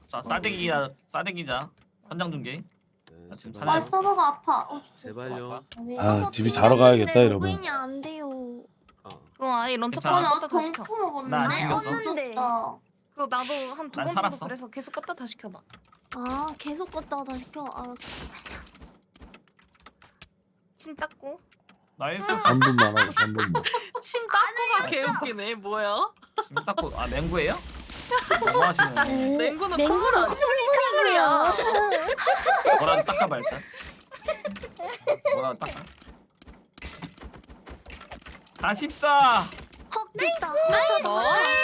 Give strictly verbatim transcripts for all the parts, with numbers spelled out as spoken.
자 싸대기야 싸대기자 현장 중계. 네, 나 지금 제발. 아 찾아야 서버가 아파. 어, 제발요. 아 집이 자러 가야겠다 여러분. 로그인이 안 돼요. 아, 그럼 아예 런처 괜찮아. 껐다 나 껐다 다시 시켜. 경포 나안 먹었는데 튕겼어. 껐는데. 그거 나도 한 두 난 번 정도 살았어. 그래서 계속 껐다 다시 켜봐. 아 계속 껐다가 다시 켜. 알았어. 침 닦고. 나이스. 삼 분만 하고 삼 분만. 침 닦고가 개웃기네. 뭐야? 심 닦고 아 맹구예요? 뭐 하시는? 맹구는 맹구로 콧물이고요. 뭐라도 닦아봐 일단. 뭐라도 닦아. 사십사. 헉 됐다. 어?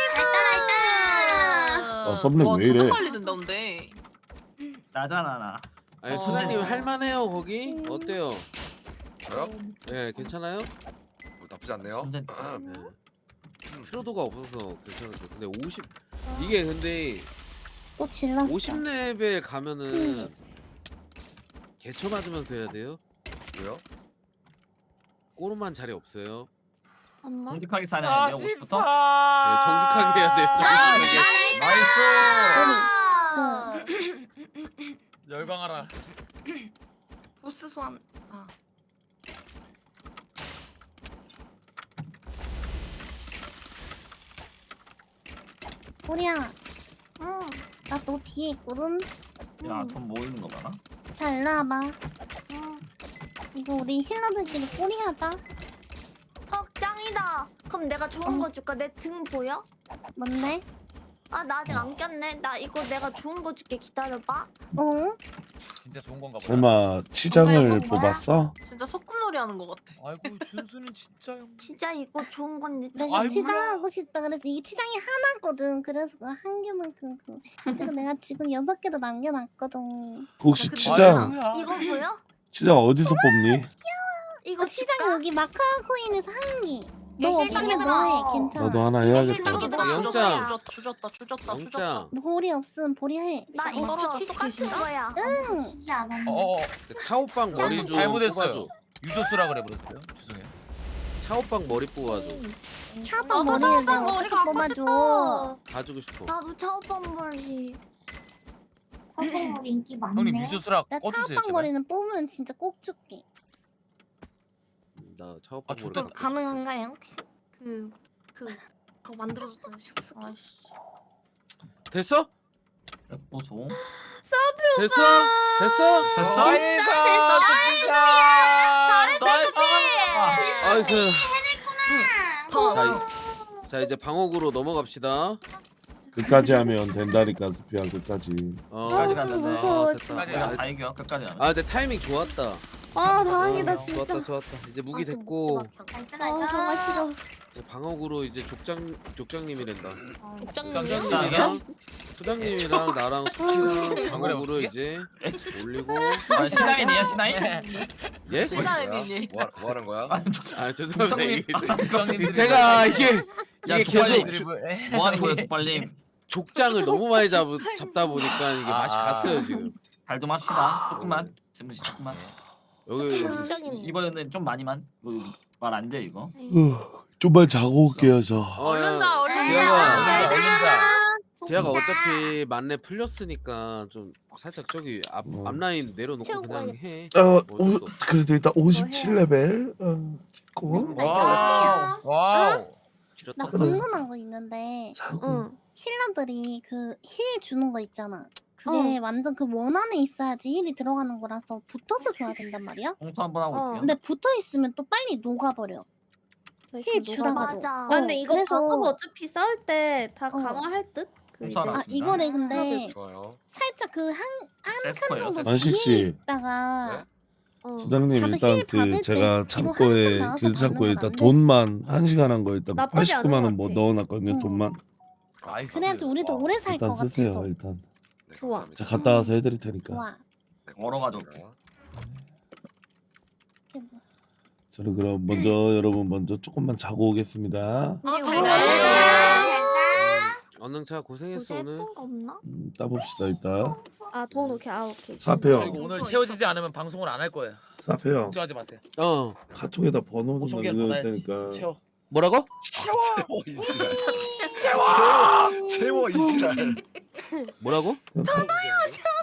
알다 아 썸네일 와 왜 진짜 이래? 빨리 된다 근데. 나잖아 나. 아니 어. 수장님 할만해요 거기? 어때요? 저요? 네 괜찮아요? 뭐 나쁘지 않네요. 완전- 네. 피로도가 없어서 괜찮았죠. 근데 오십 이게 근데 또 질렀어. 오십 레벨 가면은 개처 맞으면서 해야 돼요. 왜요? 꼬르만 자리 없어요. 엄마. 정직하게 사냐 이제 오십부터. 네, 정직하게 해야 돼요. 정직하게. 나이스. 열광하라. 보스 소환. 아. 우리야. 응. 나 너 뒤에 있거든. 야돈 모이는 거 봐라. 자 일로 와봐. 응. 이거 우리 힐러들끼리 꼬리하자. 헉 짱이다. 그럼 내가 좋은 거 줄까? 내 등 보여? 뭔데? 아 나 아직 안 꼈네. 나 이거 내가 좋은 거 줄게. 기다려봐. 어? 진짜 좋은 건가 보다. 설마 치장을 뭐야? 뽑았어? 진짜 소꿉놀이 하는 것 같아. 아이고 준수는 진짜 형. 진짜 이거 좋은 건데 내가 아이고야. 치장하고 싶다 그래서 이게 치장이 하나거든. 그래서 그 한 개만큼 그 그리고 내가 지금 여섯 개도 남겨놨거든. 혹시 그 치장 뭐야? 이거 보여? 치장 어디서 뽑니? 이거 치장 여기 마카 코인에서 한 개. 너 없으면 얘기해봐. 너 해. 괜찮아. 나도 하나 해야겠다. 얘기해봐. 영장. 조졌다 조졌다 조졌다. 영장. 볼이 없으면 볼이 해. 나 이거 이거 치즈 똑같은 계신가? 거야. 응. 치지 않았는데. 어어 차오빵 머리 좀 잘못했어요. 뽑아줘. 유저스라 그래 버렸어요. 죄송해요. 차오빵 머리 뽑아줘. 차오빵 나도 머리를 차오빵 내가 머리 어떻게 갖고 뽑아줘. 싶어. 가지고 싶어. 나도 차오빵 머리. 차오빵 머리 인기 많네. 형님 유저스라 나 꺼주세요. 차오빵 제발. 머리는 뽑으면 진짜 꼭 줄게. 나 차오빵 아, 머리. 좋다. 그 가능한가요? 혹시 그 그 그거 만들어줬던 식스. 아이씨. 됐어? 보소. 됐어? 됐어? 됐어? 됐어 됐어. 잘했어. 아이스. 더. 자, 이, 자 이제 방어구로 넘어갑시다. 끝까지 하면 된다니까 스피야 끝까지. 어, 끝까지 가면 돼. 아, 됐다. 끝까지 아, 가. 다 이겨 끝까지 하면. 아, 근데 타이밍 좋았다. 아 다행이다 어, 진짜. 좋았다, 좋았다. 이제 무기 아, 좀 됐고 먹지 마. 아 정말 싫어. 이제 방어구로 이제 족장 족장님이란다. 국장님이요? 수장님이랑 수장님이랑 나랑 수장 방어구로 어떻게? 이제 올리고. 아, 신앙이네요 신앙이. 예? 신나이니. 뭐, 뭐 하는 거야? 아, 아 죄송합니다. 국장님. 이게 아, 국장님. 제가 이게 야, 이게 족발님. 계속 주- 뭐 하는 거예요 족발님? 족장을 너무 많이 잡, 잡다 보니까 이게 아, 맛이 아. 갔어요 지금. 잘 좀 합시다. 조금만. 재무씨 조금만. 여기 국장님. 이번에는 좀 많이만. 말 안 돼 이거. 좀만 자고 올게요 저. 어, 얼른 자 얼른 아, 제가 자. 제가 어차피 만렙 풀렸으니까 좀 살짝 저기 앞 어. 앞라인 내려놓고 채우고 그냥 해. 어, 어쩔 오, 수 없어. 그래도 일단 오십칠 레벨 어, 찍고 와우. 와우. 지렸다. 나 궁금한 거 있는데 자고. 힐러들이 그 힐 주는 거 있잖아. 그게 완전 그 원 안에 있어야지 힐이 들어가는 거라서 붙어서 줘야 된단 말이야. 공투 한번 하고 올게요. 근데 붙어 있으면 또 빨리 녹아버려. 힐 주다가도. 맞아. 어, 아, 근데 이거 그래서- 방어가 어차피 싸울 때 다 어. 강화할 듯? 그 공수 이제 하나 아 맞습니다. 이거래 근데 좋아요. 살짝 그 한 한 칸 세스코예요, 정도 세스코. 뒤에 만식 씨. 있다가 어, 수장님 다들 일단 힐 받을 그 때 제가 뒤로 창고에 한칸 나와서 길 창고에 받는 일단 건 안 돈만 한 시간 한 거 일단 나쁘지 않은 팔십구만 원 것 뭐 같아. 넣어놨거든요 응. 돈만. 나이스. 그래야지 우리도 와. 오래 살 것 일단 쓰세요 같아서. 일단. 네, 좋아. 감사합니다. 자 갔다 와서 해드릴 테니까. 좋아. 네, 얼어가지고 고맙습니다. 이게 뭐. 저는 그럼 먼저 여러분 먼저 조금만 자고 오겠습니다. 아, 잘 잘 자. 언능차 고생했어 요새 오늘. 예쁜 거 없나? 음, 따봅시다 일단. 아 돈 오케이 아 오케이. 사표 저 이거 오늘 채워지지 않으면 방송을 안 할 거예요. 사표 걱정하지 마세요. 어. 카톡에다 번호 좀 오천 개는 남겨둘 받아야지. 테니까 채워. 뭐라고? 채워 이지랄. 채워 채워 이지랄. 뭐라고? 저도요.